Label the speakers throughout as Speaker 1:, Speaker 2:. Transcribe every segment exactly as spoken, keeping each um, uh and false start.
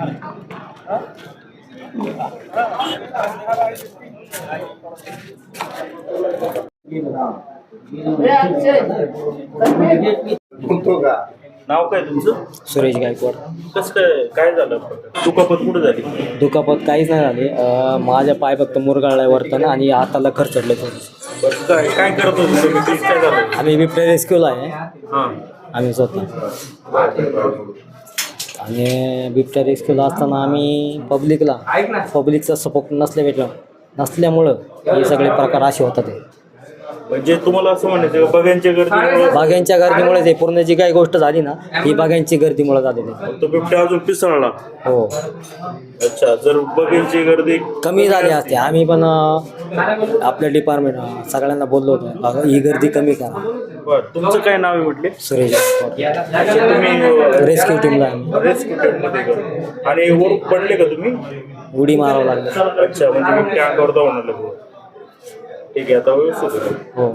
Speaker 1: नाव काय तुमचं?
Speaker 2: सुरेश गायकवाड.
Speaker 1: कसं काय काय झालं? दुखापत कुठे झाली?
Speaker 2: दुखापत काहीच नाही झाली. अं, माझ्या पाय फक्त मुरगाळला वरतं आणि हाताला खरचडलं थोडं.
Speaker 1: बरं, काय काय करत होते तुम्ही? तेच काय झालं?
Speaker 2: आम्ही बिबट्या रेस्क्यूला आहे.
Speaker 1: हां.
Speaker 2: आम्ही स्वतः आणि बिबट्या रेस्क्यूला असताना आम्ही पब्लिकला पब्लिकचा सपोर्ट नसल्या भेटला नसल्यामुळं हे सगळे प्रकार असे होतात. ते
Speaker 1: म्हणजे तुम्हाला असं म्हणायचं का बघ्यांच्या गर्दीमुळे?
Speaker 2: बागांच्या गर्दीमुळेच हे पूर्ण जी काही गोष्ट झाली ना ही बागांची गर्दीमुळे झालेली आहे.
Speaker 1: तो बिबट्या अजून पिसळला?
Speaker 2: हो.
Speaker 1: अच्छा, जर बघ्यांची गर्दी
Speaker 2: कमी झाली असते आम्ही पण अं, आपल्या डिपार्टमेंट सगळ्यांना बोललो होतो अगं ही गर्दी कमी करा.
Speaker 1: बरं, तुमचं काय नाव आहे म्हटले?
Speaker 2: सुरेश
Speaker 1: तुम्ही
Speaker 2: रेस्क्यू टीमला आम्ही
Speaker 1: रेस्क्यू टीममध्ये का? आणि वर पडले का तुम्ही?
Speaker 2: उडी मारावं लागली.
Speaker 1: अच्छा, म्हणजे बिबट्या अंगावर धावून आलं. ठीक आहे, आता व्यवस्थित आहे.
Speaker 2: हो.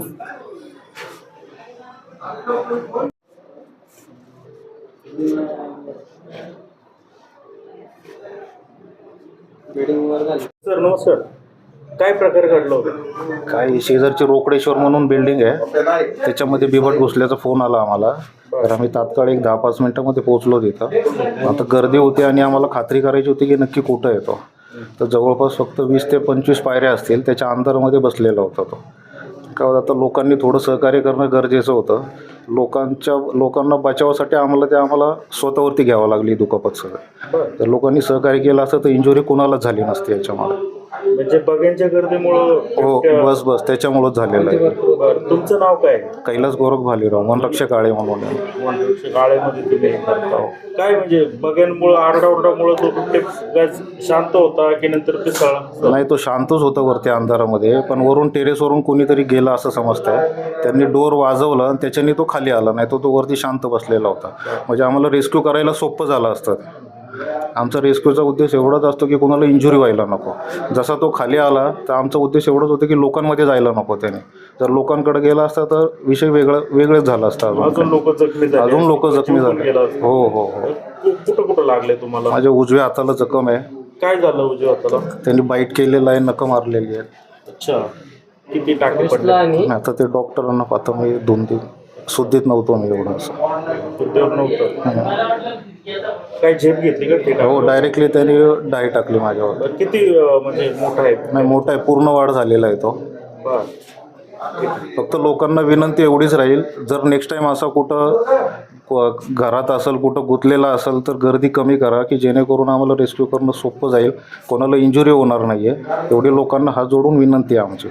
Speaker 1: सर नमस्कार, काय प्रकार घडला होता?
Speaker 3: काय शेजारची रोकडेश्वर म्हणून बिल्डिंग आहे, त्याच्यामध्ये बिबट घुसल्याचा फोन आला आम्हाला. तर आम्ही तात्काळ एक दहा पाच मिनटामध्ये पोहोचलो तिथं. आता गर्दी होती आणि आम्हाला खात्री करायची होती की नक्की कुठं येतो. तर जवळपास फक्त वीस ते पंचवीस पायऱ्या असतील त्याच्या अंतरामध्ये बसलेला होता तो. काय होतं, आता लोकांनी थोडं सहकार्य करणं गरजेचं होतं. लोकांच्या लोकांना बचावासाठी आम्हाला ते आम्हाला स्वतःवरती घ्यावं लागली दुखापत सगळं. तर लोकांनी सहकार्य केलं असतं तर इंजुरी कोणालाच झाली नसती याच्यामुळे.
Speaker 1: म्हणजे बघ्यांच्या गर्दीमुळं?
Speaker 3: हो, बस बस त्याच्यामुळंच झालेलं आहे.
Speaker 1: बरं, तुमचं नाव काय?
Speaker 3: कैलास गोरख भालेराव, वनरक्षक काळे म्हणून आहे.
Speaker 1: वनरक्षक काळेमध्ये तुम्ही हे करता. काय म्हणजे बघ्यांमुळं आरडाओरडामुळं तो बिबट्या शांत होता की नंतर पिसळला?
Speaker 3: नाही, तो शांतच होता वरती अंधारामध्ये, पण वरून टेरेसवरून कोणीतरी गेला असं समजतंय. त्यांनी डोर वाजवलं आणि त्याच्याने तो खाली आला, नाही तो तो वरती शांत बसलेला होता. म्हणजे आम्हाला रेस्क्यू करायला सोपं झालं असतं. आमचा रेस्क्यूचा उद्देश एवढाच असतो की कोणाला इंजुरी व्हायला नको. जसा तो खाली आला तर आमचा उद्देश एवढाच होतं की लोकांमध्ये जायला नको त्याने. जर लोकांकडे गेला असता तर विषय वेगळं वेगळंच झाला असता.
Speaker 1: अजून लोक जखमी झाले?
Speaker 3: अजून लोक जखमी झाले. हो हो हो.
Speaker 1: कुठं कुठं लागले तुम्हाला?
Speaker 3: माझ्या उजव्या हाताला जखम आहे.
Speaker 1: काय झालं उजव्या हाताला?
Speaker 3: त्यांनी बाईट केलेलं आहे, नखं मारलेली आहे.
Speaker 1: अच्छा, किती टाके पडले?
Speaker 3: आता ते डॉक्टरांना पाहता मी दोन तीन शुद्धीत नव्हतो मी एवढं असं.
Speaker 1: उद्योग नव्हतं. काय झेप घेतली का? ठीक आहे.
Speaker 3: हो, डायरेक्टली त्यांनी डाय टाकली माझ्यावर.
Speaker 1: किती अं, म्हणजे मोठा आहे?
Speaker 3: नाही, मोठा आहे, पूर्ण वाढ झालेला आहे तो.
Speaker 1: बरं.
Speaker 3: फक्त लोकांना विनंती एवढीच राहील, जर नेक्स्ट टाईम असा कुठं घरात असेल, कुठं गुंतलेला असेल तर गर्दी कमी करा की जेणेकरून आम्हाला रेस्क्यू करणं सोपं जाईल, कोणाला इंजुरी होणार नाही आहे. एवढी लोकांना हात जोडून विनंती आहे आमची.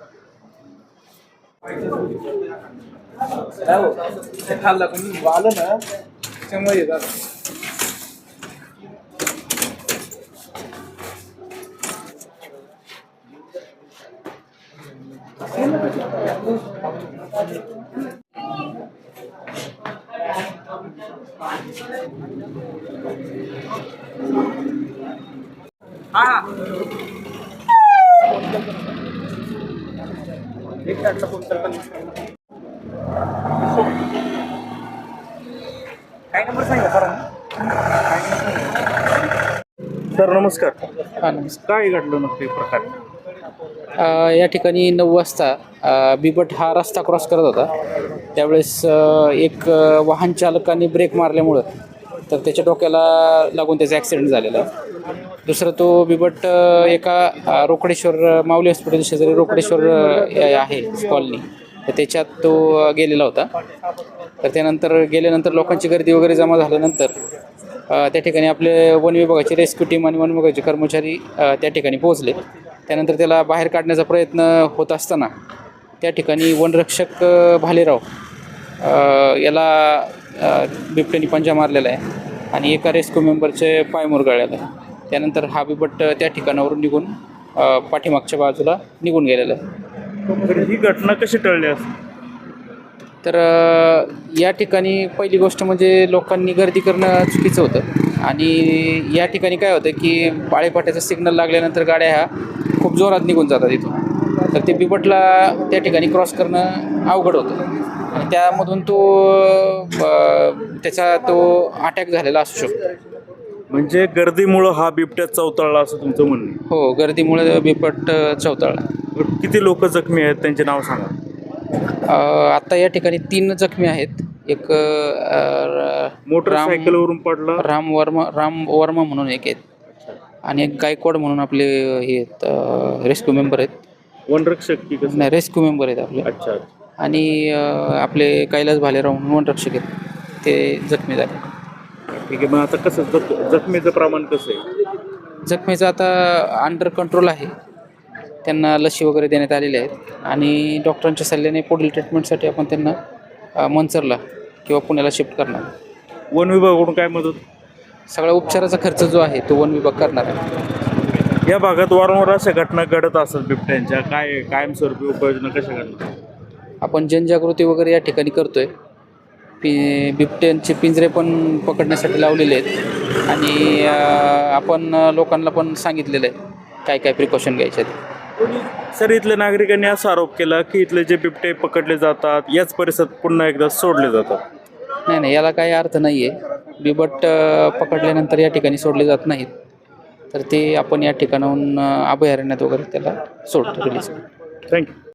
Speaker 1: सर नमस्कार,
Speaker 4: हां नमस्कार.
Speaker 1: काय घडलं नक्की प्रकार?
Speaker 4: अ, या ठिकाणी नऊ वाजता अ, बिबट हा रस्ता क्रॉस करत होता. त्यावेळेस अ, एक अ, वाहन चालकाने ब्रेक मारल्यामुळं तर त्याच्या डोक्याला लागून त्याचा ॲक्सिडेंट झालेला आहे. दुसरं तो बिबट अ, एका अ, रोकडेश्वर माऊली हॉस्पिटल शेजारी रोकडेश्वर अ, आहे कॉलनी, तर त्याच्यात तो अ, गेलेला होता. तर त्यानंतर गेल्यानंतर लोकांची गर्दी वगैरे जमा झाल्यानंतर अ, त्या ठिकाणी आपले वन विभागाची रेस्क्यू टीम आणि वन विभागाचे कर्मचारी अ, त्या ठिकाणी पोहोचले. त्यानंतर त्याला बाहेर काढण्याचा प्रयत्न होत असताना त्या ठिकाणी वनरक्षक अ, भालेराव अ, याला अ, बिबट्याने पंजा मारलेला आहे आणि एका रेस्क्यू मेंबरचे पाय मुरगाळलेला आहे. त्यानंतर हा बिबट त्या ठिकाणावरून निघून अ, पाठीमागच्या बाजूला निघून गेलेला आहे.
Speaker 1: तर ही घटना कशी टळली असं?
Speaker 4: तर अ, या ठिकाणी पहिली गोष्ट म्हणजे लोकांनी गर्दी करणं चुकीचं होतं आणि या ठिकाणी काय होतं की पाळेपाट्याचा सिग्नल लागल्यानंतर गाड्या ह्या खूप जोरात निघून जातात इथून. तर ते बिबटला त्या ठिकाणी क्रॉस करणं अवघड होतं आणि त्यामधून तो अ, त्याचा तो अटॅक झालेला असू शकतो.
Speaker 1: म्हणजे गर्दीमुळं हा बिबट्या चवताळला असं तुमचं म्हणणं आहे.
Speaker 4: हो, गर्दीमुळे बिबट अ, चवताळला.
Speaker 1: बरं, किती लोक जखमी आहेत त्यांचे नाव सांगा.
Speaker 4: अ, आता या ठिकाणी तीन जखमी आहेत. एक अ, र-
Speaker 1: मोटरसायकलवरून पडला.
Speaker 4: राम राम वर्मा राम वर्मा म्हणून एक आहेत आणि एक गायकवाड म्हणून आपले हे रेस्क्यू मेंबर आहेत.
Speaker 1: वनरक्षक की कसं?
Speaker 4: नाही, रेस्क्यू मेंबर आहेत आपले.
Speaker 1: अच्छा.
Speaker 4: आणि अ, आपले कैलास भालेराव म्हणून वनरक्षक आहेत, ते जखमी झाले.
Speaker 1: ठीक आहे. मग आता कसं जख जखमीचं प्रमाण कसं आहे?
Speaker 4: जखमीचं आता अंडर कंट्रोल आहे. त्यांना लसी वगैरे देण्यात आलेल्या आहेत आणि डॉक्टरांच्या सल्ल्याने पुढील ट्रीटमेंटसाठी आपण त्यांना अ, मंचरला किंवा पुण्याला शिफ्ट करणार.
Speaker 1: वन विभागाकडून काय मदत?
Speaker 4: सगळा उपचाराचा खर्च जो आहे तो वन विभाग करणार आहे.
Speaker 1: या भागात वारंवार अशा घटना घडत असतात बिबट्यांच्या, काय कायमस्वरूपी उपाययोजना कशा करणार?
Speaker 4: आपण जनजागृती वगैरे या ठिकाणी करतोय. पि बिबट्यांचे पिंजरे पण पकडण्यासाठी लावलेले आहेत आणि अ, आपण लोकांना पण सांगितलेलं आहे काय काय प्रिकॉशन घ्यायचे आहेत.
Speaker 1: सर, इथल्या नागरिकांनी असा आरोप केला की इथले जे बिबटे पकडले जातात याच परिसरात पुन्हा एकदा सोडले जातात.
Speaker 4: नाही नाही, याला काही अर्थ नाही आहे. बिबट अ, पकडल्यानंतर या ठिकाणी सोडले जात नाहीत, तर ते आपण या ठिकाणाहून अ, अभयारण्यात वगैरे त्याला सोडतो, रिलीज.
Speaker 1: थँक्यू.